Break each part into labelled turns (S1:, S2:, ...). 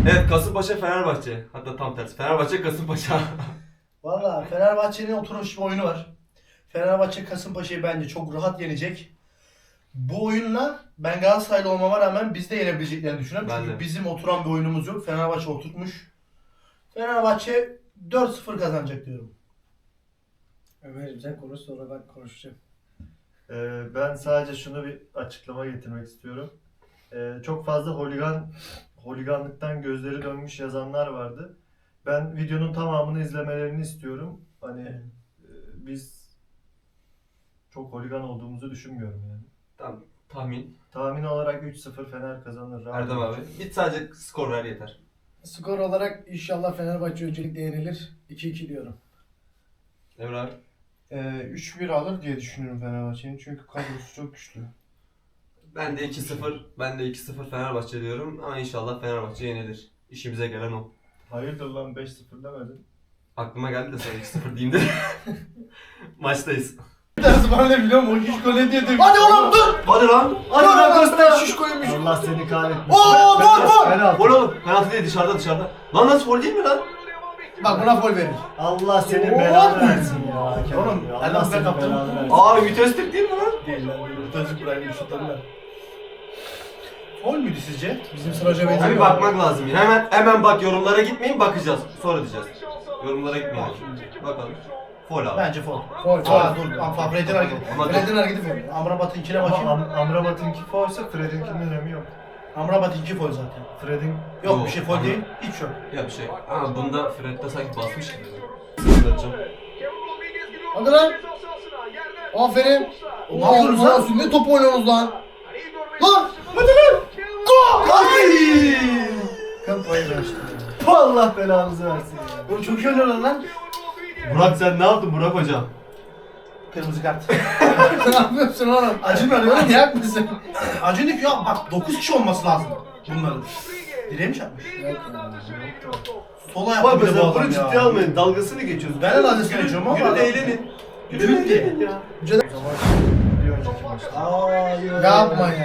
S1: Evet, Kasımpaşa Fenerbahçe. Hatta tam tersi. Fenerbahçe Kasımpaşa.
S2: Valla Fenerbahçe'nin oturmuş bir oyunu var. Fenerbahçe Kasımpaşa'yı bence çok rahat yenecek. Bu oyunla ben Galatasaraylı olmama rağmen biz de yenebileceklerini düşünüyorum.
S1: Ben
S2: Çünkü
S1: de.
S2: bizim oturan bir oyunumuz yok. Fenerbahçe oturtmuş. Fenerbahçe 4-0 kazanacak diyorum.
S3: Ömer'im sen konuş sonra ben konuşacağım.
S4: Ben sadece şunu bir açıklama getirmek istiyorum. Çok fazla holiganlıktan gözleri dönmüş yazanlar vardı. Ben videonun tamamını izlemelerini istiyorum. Hani biz çok holigan olduğumuzu düşünmüyorum yani.
S1: Tamam. Tahmin.
S4: Tahmin olarak 3-0 Fener kazanır. Rahat
S1: Erdem abi. Bir sadece skor ver yeter.
S3: Skor olarak inşallah Fenerbahçe öncelikle yenilir. 2-2 diyorum.
S1: Emre abi.
S5: 3-1 alır diye düşünüyorum Fenerbahçe'nin çünkü kadrosu çok güçlü.
S1: Ben de 2-0. Ben de 2-0 Fenerbahçe diyorum. Ama inşallah Fenerbahçe yenilir. İşimize gelen o.
S4: Hayırdır lan 5-0 demedin.
S1: Aklıma geldi de sana 2-0 diyeyim de. Maçtayız.
S2: Dersi bana ne biliyor musun? O hiç gol ne diye Hadi oğlum dur!
S1: Hadi lan.
S2: Hadi lan göster şiş koymuş.
S4: Allah seni kahretmesin.
S2: Oo, gol!
S4: Penaltı.
S1: Gol oğlum. Penaltı değil, dışarıda. Lan nasıl gol değil mi lan?
S2: Bak buna gol verir.
S4: Allah senin
S2: Oo.
S4: belanı versin ya.
S2: Oğlum,
S4: Ya,
S2: Erdem
S4: Allah
S2: sen
S4: senin
S2: kaptın.
S4: belanı versin.
S1: Abi vites tek değil mi lan?
S2: Değil lan. Tazı bırakmış şutlarına. Gol müydü sizce?
S3: Bizim sıraca
S1: Abi
S3: benziyor.
S1: bakmak lazım. Hemen bak, yorumlara gitmeyin, bakacağız. Sonra diyeceğiz. Yorumlara gitmeyin. Bakalım. Foul abi.
S2: Bence foul.
S3: Foul,
S2: Aa
S3: foul.
S2: dur. Fred'in hareketi.
S1: Ama
S2: Fred'in hareketi foul. Amrabat'ınkine bakayım.
S4: Ama Amrabat'ınki foulsa Fred'inkinin önemi yok.
S2: Amrabat'ınki foul zaten.
S4: Fred'in
S2: Yok
S1: Yok,
S2: bir şey foul
S1: Amra-
S2: değil. Hiç yok.
S1: ya bir şey. Ama bunda Fred'de sanki basmış gibi. Sıkıntı.
S3: Hadi lan. Aferin.
S2: Ne yapıyorsunuz lan?
S3: Ne top oynuyorsunuz lan?
S2: Lan! Hadi lan! Gol! Ay!
S3: Kampayı vermiştim.
S4: Allah belanızı versin ya.
S2: Oğlum çok iyi oynuyorlar lan.
S1: Burak sen ne yaptın Burak hocam?
S2: Kırmızı kart.
S3: Ne yapıyorsun oğlum?
S2: Acımıyor değil mi?
S3: Manyak mısın?
S2: Acınık ya bak 9 kişi olması lazım bunların. Direğe mi çarpmış?
S3: Yok ya.
S2: Sola yaptı
S1: Bak
S2: bir de bu
S1: mesela
S2: adam
S1: bunu ciddiye
S2: ya.
S1: almayın. Dalgasını geçiyoruz.
S2: Ben de dalgasını geçiyorum ama
S1: Yürü
S2: adam-
S1: de eğlenin. Yürü de eğlenin ya.
S4: Bir önceki maçta.
S2: Ay,
S3: Yapma ya.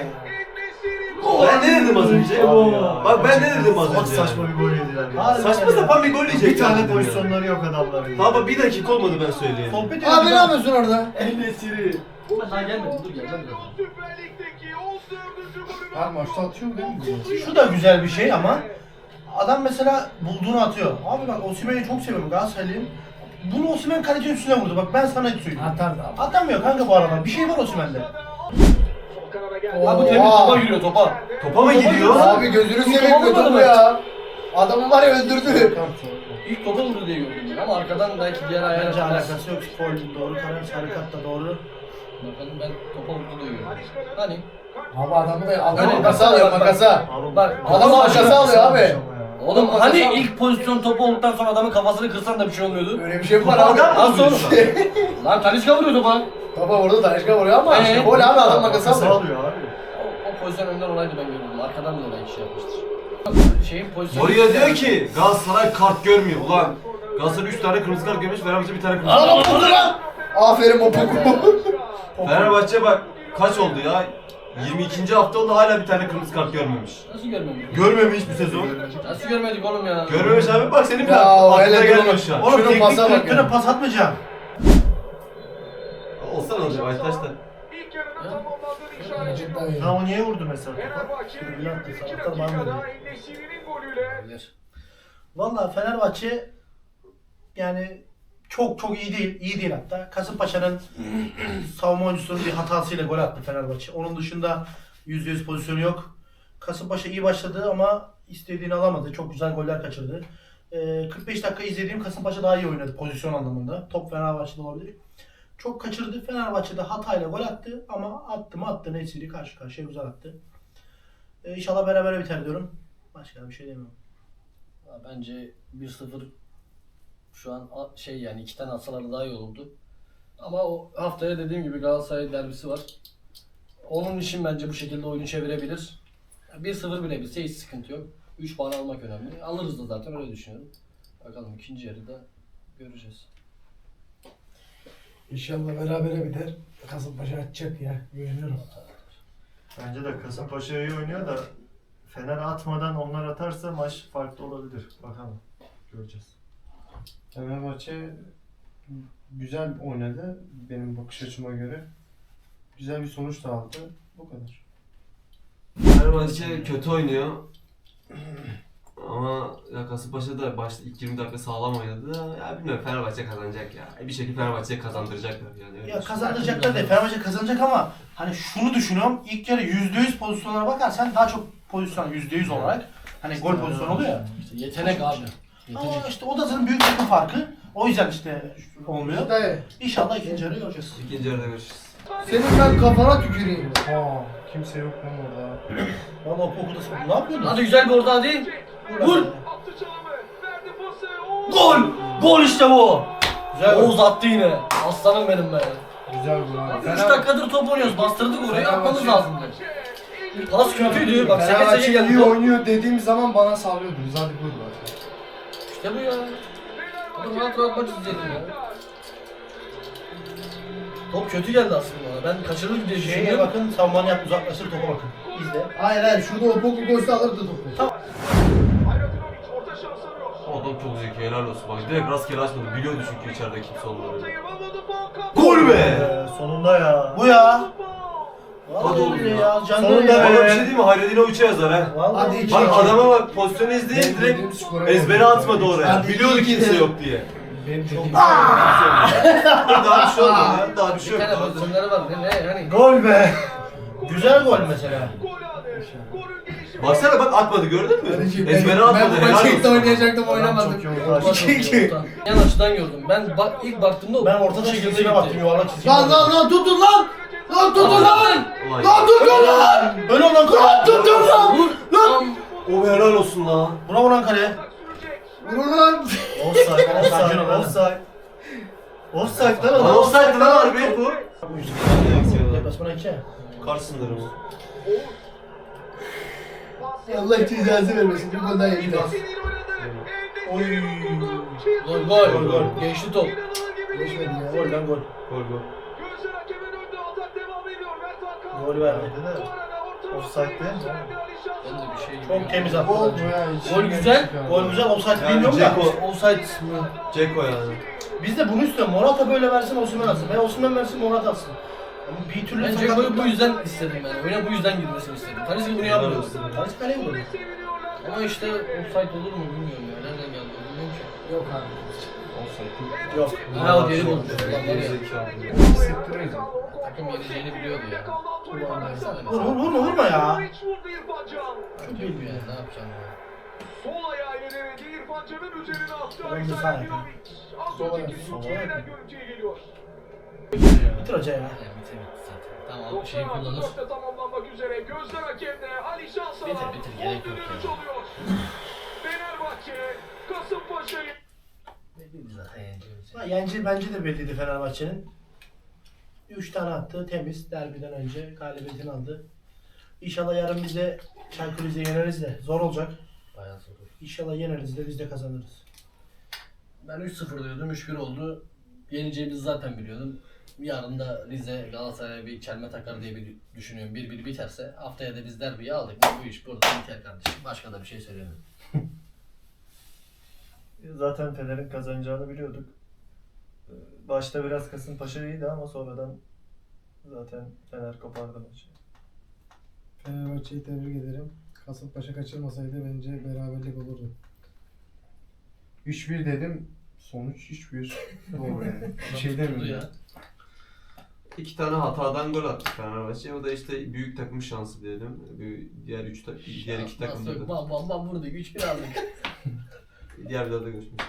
S1: Ben ne dedim az önce?
S4: Abi ya.
S1: Bak ben ne dedim az önce?
S4: Çok saçma bir gol yediler ya.
S2: Harbi.
S1: Saçma sapan bir gol yiyecek.
S4: Bir tane pozisyonları yok adamların. ya.
S1: Baba bir dakika olmadı ben söyleyeyim.
S2: Sohbet
S3: Abi ne
S2: ediyoruz.
S3: yapıyorsun orada?
S1: Enesiri.
S6: Daha gelmedi, dur geleceğim zaten.
S3: Abi maçta atıyor değil mi?
S2: Şu da güzel bir şey ama adam mesela bulduğunu atıyor. Abi bak Osimhen'i çok seviyorum Galatasaraylıyım. Bunu Osimhen kalecinin üstüne vurdu. Bak ben sana hiç söyleyeyim.
S3: Atardı abi.
S2: Atamıyor kanka bu aralar. Bir şey var Osimhen'de.
S6: Abi bu temiz topa giriyor topa.
S1: Topa mı gidiyor?
S3: Abi gözünü seveyim
S6: topa
S3: topu
S6: vurmadı
S3: ya. Adamı var ya öldürdü.
S6: İlk topa vurdu diye gördüm ben ama arkadan belki diğer ayağına
S2: Bence
S6: kadar.
S2: alakası yok. Foul doğru karar. Sarı kart da doğru.
S6: Bakalım ben topa vurdu diye gördüm. Hani?
S3: Abi adamı da adam
S6: Öyle
S3: makasa alıyor
S6: bak,
S3: makasa.
S4: Abi,
S6: Bak
S3: Adam makasa alıyor abi.
S6: Oğlum
S3: Makası
S6: hani
S3: al.
S6: ilk pozisyon topu olduktan sonra adamın kafasını kırsan da bir şey olmuyordu.
S3: Öyle bir şey mi var abi?
S6: Nasıl oğlum? Lan Talisca vuruyor topa.
S3: Topa vurdu Taşka vuruyor ama işte gol abi adam makası
S4: Makası
S3: alıyor.
S4: alıyor abi.
S6: O pozisyon önden olaydı ben gördüm. Arkadan da olay şey yapmıştır. Şeyin pozisyonu...
S1: Oraya diyor ki Galatasaray kart görmüyor ulan. Galatasaray 3 tane kırmızı kart görmüş, Fenerbahçe bir tane kırmızı kart.
S3: Adam vurdu lan. Aferin o poku.
S1: Fenerbahçe bak kaç oldu ya? 22. hafta oldu hala bir tane kırmızı kart görmemiş.
S6: Nasıl görmemiş?
S1: Görmemiş bu sezon.
S6: Nasıl görmedik oğlum ya?
S1: Görmemiş abi, bak senin bile
S3: Ya,
S1: aklına
S3: öyle
S1: gelmiyor
S3: durma.
S1: şu an.
S2: Oğlum
S3: Şunun
S2: teknik
S3: pasa bak
S2: direktöre
S3: ya.
S2: pas atmayacağım.
S1: Olsan olacak Aytaş'ta.
S4: Ha o niye vurdu mesela topa?
S2: Valla Fenerbahçe yani çok iyi değil. İyi değil hatta. Kasımpaşa'nın savunma oyuncusunun bir hatasıyla gol attı Fenerbahçe. Onun dışında %100 pozisyonu yok. Kasımpaşa iyi başladı ama istediğini alamadı. Çok güzel goller kaçırdı. 45 dakika izlediğim Kasımpaşa daha iyi oynadı pozisyon anlamında. Top Fenerbahçe'de olabilir. Çok kaçırdı. Fenerbahçe'de hatayla gol attı ama attı Nesiri karşı karşıya güzel attı. İnşallah berabere biter diyorum. Başka bir şey demiyorum.
S6: Ya bence 1-0 şu an şey yani iki tane atsaları daha iyi olurdu. Ama o haftaya dediğim gibi Galatasaray derbisi var. Onun için bence bu şekilde oyunu çevirebilir. 1-0 bile bilse hiç sıkıntı yok. 3 puan almak önemli. Alırız da zaten öyle düşünüyorum. Bakalım ikinci yarıda göreceğiz.
S3: İnşallah berabere biter. Kasımpaşa atacak ya. Güveniyorum.
S4: Bence de Kasımpaşa iyi oynuyor da Fener atmadan onlar atarsa maç farklı olabilir. Bakalım. Göreceğiz.
S5: Fenerbahçe güzel oynadı benim bakış açıma göre. Güzel bir sonuç da aldı. Bu kadar.
S1: Fenerbahçe kötü oynuyor. Ama ya Kasımpaşa da başta ilk 20 dakika sağlam oynadı da ya bilmiyorum Fenerbahçe kazanacak ya. Bir şekilde Fenerbahçe'ye kazandıracaklar yani. Öyle
S2: Ya
S1: düşünüyorum.
S2: kazandıracaklar değil. Fenerbahçe kazanacak ama hani şunu düşünüyorum. İlk yarı %100 pozisyonlara bakarsan daha çok pozisyon %100 olarak hani gol pozisyonu oluyor ya.
S6: İşte yetenek abi.
S2: Ama
S6: Yetenek.
S2: işte o da zaten büyük takım farkı. O yüzden işte olmuyor.
S3: Dayı.
S2: İnşallah ikinci yarı göreceğiz.
S1: İkinci yarıda görüşürüz.
S3: Senin ben kafana tüküreyim.
S5: Aa, kimse yok lan orada.
S2: Valla o Poku'da ne yapıyordun?
S6: Hadi güzel bir orta hadi. Vur.
S2: Vur! Gol! Gol işte bu! Güzel gol.
S6: Oğuz attı yine. Aslanım benim be.
S5: Güzel bu abi.
S6: 3 dakikadır top oynuyoruz. Bastırdık orayı. Atmamız lazımdı. Pas kötüydü. Bak seke seke
S5: Fenerbahçe
S6: geldi
S5: iyi
S6: top.
S5: oynuyor dediğim zaman bana sallıyordunuz. Hadi vur bak.
S6: İşte bu ya. Hadi rahat rahat maç izleyelim ya. Top kötü geldi aslında. Ben kaçırır diye
S2: Şeye
S6: düşünüyorum.
S2: bakın, savunmanı yap, uzaklaştır, topa bakın. İzle.
S3: Hayır hayır şurada o Poku golse alırdı topu.
S1: O adam çok zeki, helal olsun. Bak direkt rastgele açmadı. Biliyordu çünkü içeride kimse olmadığını.
S2: Gol be!
S4: Sonunda ya.
S2: Bu ya!
S1: Hadi
S2: Vallahi
S1: oğlum
S2: öyle
S1: ya.
S2: Canlı
S4: Sonunda
S2: ya.
S1: Bana bir şey diyeyim mi? Hayredine uça yazar ha.
S2: Vallahi
S3: Hadi iki.
S1: Bak adama bak pozisyonu izleyin
S3: Benim
S1: direkt
S3: dediğim skora
S1: ezbere
S3: geldi.
S1: atmadı oraya.
S3: Hadi
S1: Biliyordu
S3: iki
S1: kimse
S3: de.
S1: yok diye.
S5: Benim dediğim
S1: Daha bir şey olmadı ya. Daha bir şey
S6: Bir
S1: yok.
S6: tane pozisyonları var. Ne hani.
S4: Gol be.
S2: Güzel gol mesela.
S1: Baksana bak atmadı gördün mü?
S3: Kardeşim,
S1: Ezbere
S3: ben
S1: atmadı.
S3: bu
S1: helal
S3: maçı
S1: olsun.
S3: ilk de oynayacaktım
S4: Adam
S3: oynamadım.
S4: çok iyi
S6: Orta
S4: oynadı.
S6: çok iyi, orta. Yan açıdan gördüm. Ben ilk baktığımda
S2: Ben ortada çizgisine baktım, yuvarlak çizgi.
S3: Lan tutun lan! Lan tutun lan!
S1: Ulan
S3: Lan tutun lan!
S2: Öyle olan kale.
S3: Tutun lan!
S6: Vur. Lan.
S1: o bir helal olsun la.
S2: Buna vuran kale.
S3: Vurun lan!
S4: Offside,
S2: Sakin ol
S4: offside,
S2: lan.
S4: offside. Offside lan
S1: Lan
S4: adam.
S1: offside lan harbi bu.
S2: Deplasmana 2.
S1: Kar sınırı mı?
S3: Allah cezası vermesin. Bir gol daha yedi.
S2: Oy.
S6: Gol gol.
S2: Gol, gol.
S6: Geçti top.
S3: Geçmedi ya.
S2: Gol lan gol.
S1: Gol gol.
S2: Gol verdi.
S4: Offside değil mi?
S6: Ben de bir şey
S2: Çok temiz attı.
S5: Gol bu
S2: bence.
S5: ya.
S6: Gol güzel.
S2: Gol güzel, offside
S1: Yani
S2: bilmiyorum da.
S1: Dzeko-
S6: Offside mi?
S1: Ceko yani.
S2: Biz de bunu istiyoruz. Morata böyle versin, Osimhen atsın. Veya Osimhen versin, Morata atsın. Ama bir türlü
S6: Ben Ceko'yu bu yüzden istedim ben. Oyuna bu yüzden girmesini istedim. Kaleci bunu yapmıyor.
S2: Kaleci kaleye vurdu.
S6: Ama işte offside olur mu bilmiyorum ya. Nereden geldi o bilmiyorum ki.
S3: Yok abi.
S2: Yok.
S6: Ha o geri bulmuş. Ulan var ya.
S5: Hissettiriyor.
S6: Takım yeneceğini biliyordu ya. Ulan baksana
S2: Vur
S6: mesela.
S2: vur vurma ya.
S6: Çok iyi ya. Ne yapacağım ya.
S7: Sol ayağıyla denedi İrfan Can'ın üzerine attı.
S2: Sol
S7: Alexander
S2: ayağı.
S7: Milovic. Az
S3: Sol
S7: önceki
S3: ayağı.
S7: düdük yeniden görüntüye geliyor.
S2: Bitir hoca ya.
S6: Ya bitti zaten. Tamam şeyi kullanır.
S7: 96'da tamamlanmak üzere. Gözler hakemde. Ali Şansalan.
S6: Bitir, gerek yok
S7: Düdüğünü
S6: ya.
S7: çalıyor. Fenerbahçe Kasımpaşa'yı
S6: Belliydi zaten yeneceğimiz.
S2: Ha, Yenci bence de belliydi Fenerbahçe'nin. 3 tane attı, temiz. Derbiden önce galibiyetini aldı. İnşallah yarın biz de Çaykur Rize'yi yeneriz de. Zor olacak.
S6: Bayağı zor.
S2: İnşallah yeneriz de biz de kazanırız.
S6: Ben 3-0 diyordum. 3-1 oldu. Yeneceğimizi zaten biliyordum. Yarın da Rize Galatasaray'a bir çelme takar diye bir düşünüyorum. 1-1 biterse haftaya da biz derbiyi aldık mı bu iş burada biter kardeşim. Başka da bir şey söylemiyorum.
S4: Zaten Fener'in kazanacağını biliyorduk. Başta biraz Kasımpaşa iyiydi ama sonradan zaten Fener kopardı maçı.
S3: Fenerbahçe'yi tebrik ederim. Kasımpaşa kaçırmasaydı bence beraberlik olurdu.
S5: 3-1 dedim. Sonuç 3-1. Doğru yani. Bir şey
S6: Tuttu
S5: demiyorum.
S6: ya.
S1: 2 tane hatadan gol attı Fenerbahçe. O da işte büyük takım şansı diyelim. Diğer 2 takımda
S6: Nasıl yok?
S1: da.
S6: Bam bam bam vurduk. 3-1 aldık.
S1: Diğer videoda görüşmek üzere.